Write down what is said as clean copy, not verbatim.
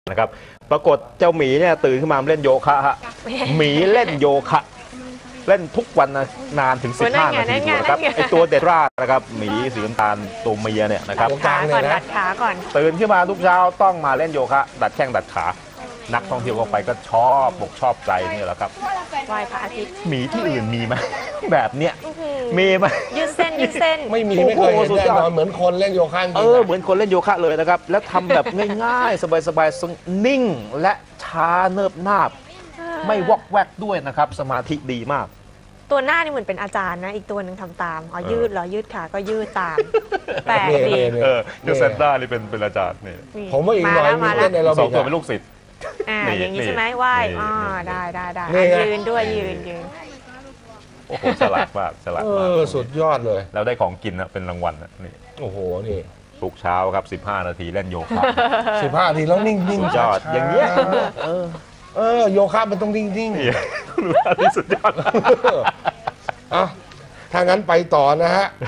นะครับปรากฏเจ้าหมีเนี่ยตื่นขึ้นมาเล่นโยคะฮะหมีเล่นโยคะเล่นทุกวันนานถึง15 นาทีนะครับไอตัวเดร่านะครับหมีสีน้ำตาลตัวเมียเนี่ยนะครับขาก่อนดัดขาก่อนตื่นขึ้นมาทุกเช้าต้องมาเล่นโยคะดัดแข้งดัดขานักท่องเที่ยวเข้าไปก็ชอบอกชอบใจนี่แหละครับไหว้พระอาทิตย์หมีที่อื่นมีไหมแบบเนี้ยมีไหมยืดเส้นยืดเส้นไม่มีไม่เคยเห็นแน่นอนเหมือนคนเล่นโยคะเหมือนคนเล่นโยคะเลยนะครับแล้วทำแบบง่ายๆสบายๆนิ่งและช้าเนิบนาบไม่วอกแวกด้วยนะครับสมาธิดีมากตัวหน้านี่เหมือนเป็นอาจารย์นะอีกตัวหนึ่งทำตามยืดเหรอยืดขาก็ยืดตามแปลกดีคือเซนต้านี่เป็นอาจารย์นี่ผมว่าอีกหน่อยมีเล่นในเรา 2 ตัวเป็นลูกศิษย์อย่างนี้ใช่ไหมไหว้ได้ยืนด้วยยืนโอ้โหฉลาดมากฉลาดมากสุดยอดเลยแล้วได้ของกินนะเป็นรางวัลนะนี่โอ้โหนี่ทุกเช้าครับ15 นาทีเล่นโยคะ 15 นาทีแล้วนิ่งๆยอดอย่างเงี้ยโยคะมันต้องนิ่งรู้ว่าที่สุดยอดถ้างั้นไปต่อนะฮะ